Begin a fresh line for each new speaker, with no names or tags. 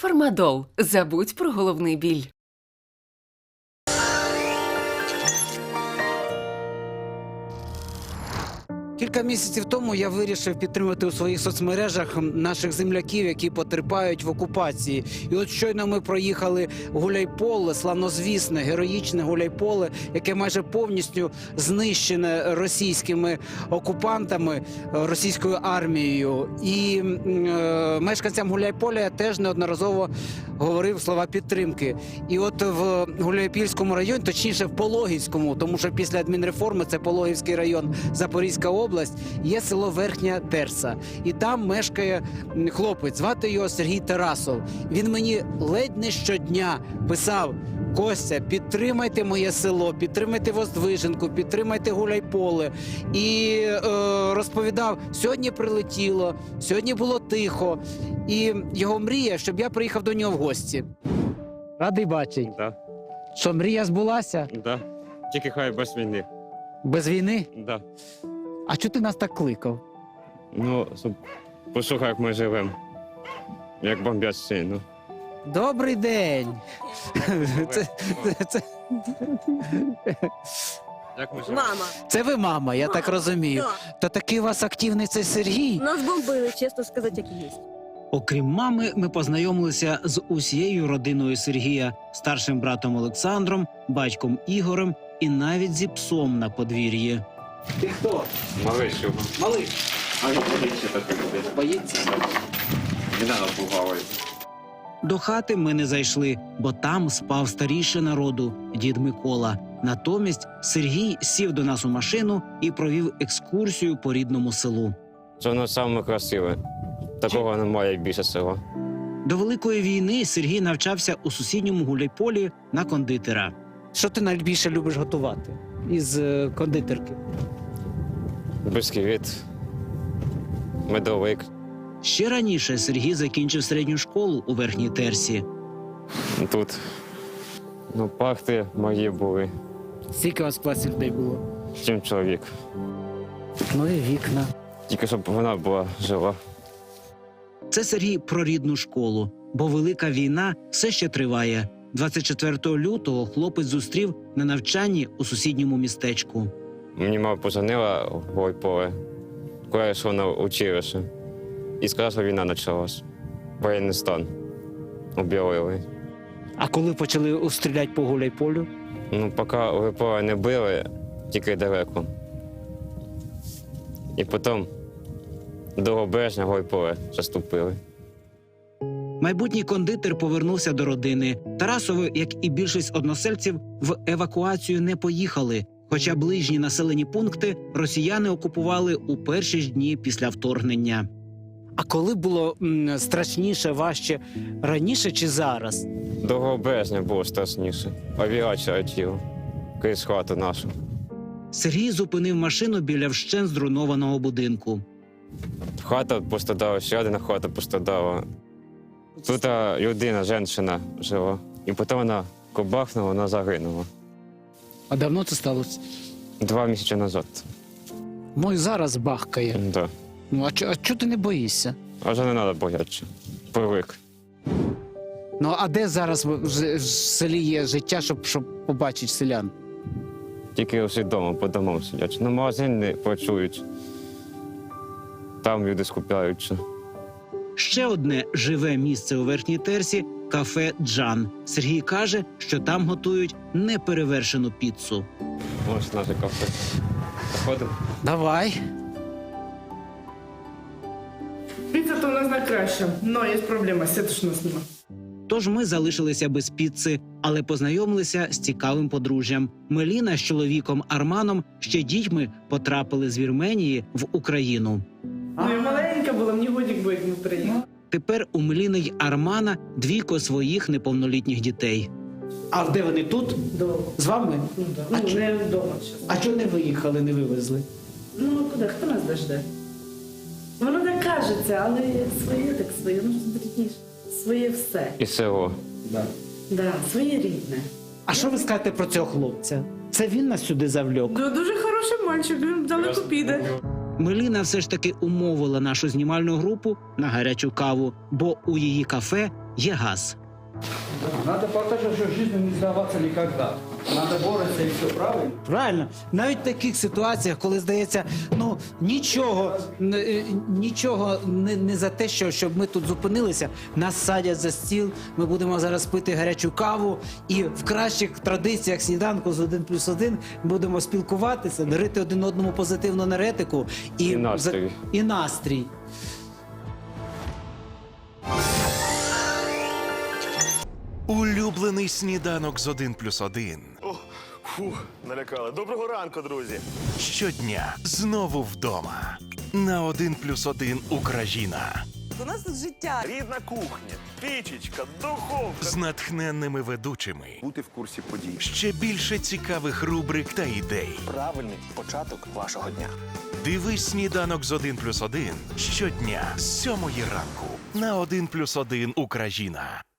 Фармадол. Забудь про головний біль.
Кілька місяців тому я вирішив підтримати у своїх соцмережах наших земляків, які потерпають в окупації. І от щойно ми проїхали Гуляйполе, славнозвісне, героїчне Гуляйполе, яке майже повністю знищене російськими окупантами, російською армією. І мешканцям Гуляйполя я теж неодноразово говорив слова підтримки. І от в Гуляйпільському районі, точніше в Пологівському, тому що після адмінреформи це Пологівський район, Запорізька область, є село Верхня Терса. І там мешкає хлопець, звати його Сергій Тарасов. Він мені ледь не щодня писав: Костя, підтримайте моє село, підтримайте Воздвиженку, підтримайте Гуляйполе. І розповідав, сьогодні прилетіло, сьогодні було тихо. І його мрія, щоб я приїхав до нього в гості. Радий бачити.
Да,
Що, мрія збулася?
да. Тільки хай без війни.
Без війни?
Да.
А чого ти нас так кликав?
Ну, послухай, як ми живемо. Як бомбять сильно.
Добрий день! Це
Як ми живемо?
Мама.
це ви мама, я так розумію.
Да.
То такий у вас активний цей Сергій?
Нас бомбили, чесно сказати, як і є.
Окрім мами, ми познайомилися з усією родиною Сергія, старшим братом Олександром, батьком Ігорем і навіть зі псом на подвір'ї. Ти хто?
Малий що?
Малий.
А він боїться так робити.
Боїться?
Не треба пугавати.
До хати ми не зайшли, бо там спав старіший народу – дід Микола. Натомість Сергій сів до нас у машину і провів екскурсію по рідному селу.
Це воно саме красиве. Такого немає більше села.
До Великої війни Сергій навчався у сусідньому Гуляйполі на кондитера. Що ти найбільше любиш готувати із кондитерки?
Бисквіт, медовик.
Ще раніше Сергій закінчив середню школу у Верхній Терсі.
Тут. Ну, парти мої були.
Скільки у вас в класі людей було?
7 чоловік.
Ну і вікна.
Тільки щоб вона була жива.
Це Сергій про рідну школу, бо Велика війна все ще триває. 24 лютого хлопець зустрів на навчанні у сусідньому містечку.
Мені мама позвонила в Гуляйполе, коли я йшов на училище. І сказала, що війна почалась. Воєнний стан. Об'явили.
А коли почали стріляти по Гуляйполю?
Ну, поки Гуляйполе не били, тільки далеко. І потім до березня Гуляйполе заступили.
Майбутній кондитер повернувся до родини. Тарасови, як і більшість односельців, в евакуацію не поїхали. Хоча ближні населені пункти росіяни окупували у перші ж дні після вторгнення. А коли було страшніше, важче, раніше чи зараз?
До березня було страшніше. Авіація летіла крізь хату нашу.
Сергій зупинив машину біля вщент зруйнованого будинку.
Хата пострадала, ще одна хата пострадала. Тут людина, жінка жила. І потім вона кобахнула, вона загинула.
А давно це сталося?
2 місяці назад.
Ну і зараз бахкає.
Да.
Ну а чого ти не боїшся?
А вже не треба боятися. Привик.
Ну а де зараз в селі є життя, щоб побачити селян?
Тільки усі вдома, по домам сидять. На магазин не працюють. Там люди скупляються.
Ще одне живе місце у Верхній Терсі – кафе «Джан». Сергій каже, що там готують неперевершену піцу.
Ось наше кафе. Заходимо.
Давай.
Піца то у нас найкраща, але є проблема, сіточно з нема.
Тож ми залишилися без піци, але познайомилися з цікавим подружжям. Меліна з чоловіком Арманом ще дітьми потрапили з Вірменії в Україну.
Ну, я маленька була, мені годик буде, як ми приїхали.
Тепер у Меліни й Армана 2 своїх неповнолітніх дітей. А де вони тут?
Дома.
З вами?
Ну, да. Ну, не вдома зараз.
А чого не виїхали, не вивезли?
Ну, а куди? Хто нас дожде? Воно так кажеться, але своє так своє, ну, зберітніше. Своє все.
І село.
Да, своє рідне.
А що ви скажете про цього хлопця? Це він нас сюди завлек?
Дуже хороший мальчик, він далеко піде.
Меліна все ж таки умовила нашу знімальну групу на гарячу каву, бо у її кафе
є газ.
Надо показати, що життю не здаватися ніколи. Надо боротися і все правильно. Правильно. Навіть в таких ситуаціях, коли здається, ну нічого не за те, щоб ми тут зупинилися, нас садять за стіл, ми будемо зараз пити гарячу каву і в кращих традиціях сніданку з 1+1 будемо спілкуватися, дарити один одному позитивну енергетику
І настрій.
і настрій.
Улюблений сніданок з 1+1.
Фух, налякали. Доброго ранку, друзі.
Щодня знову вдома. На 1+1 Україна.
У нас тут життя.
Рідна кухня, пічечка, духовка.
З натхненними ведучими.
Бути в курсі подій.
Ще більше цікавих рубрик та ідей.
Правильний початок вашого дня.
Дивись сніданок з 1+1 щодня з 7 ранку на 1+1 Україна.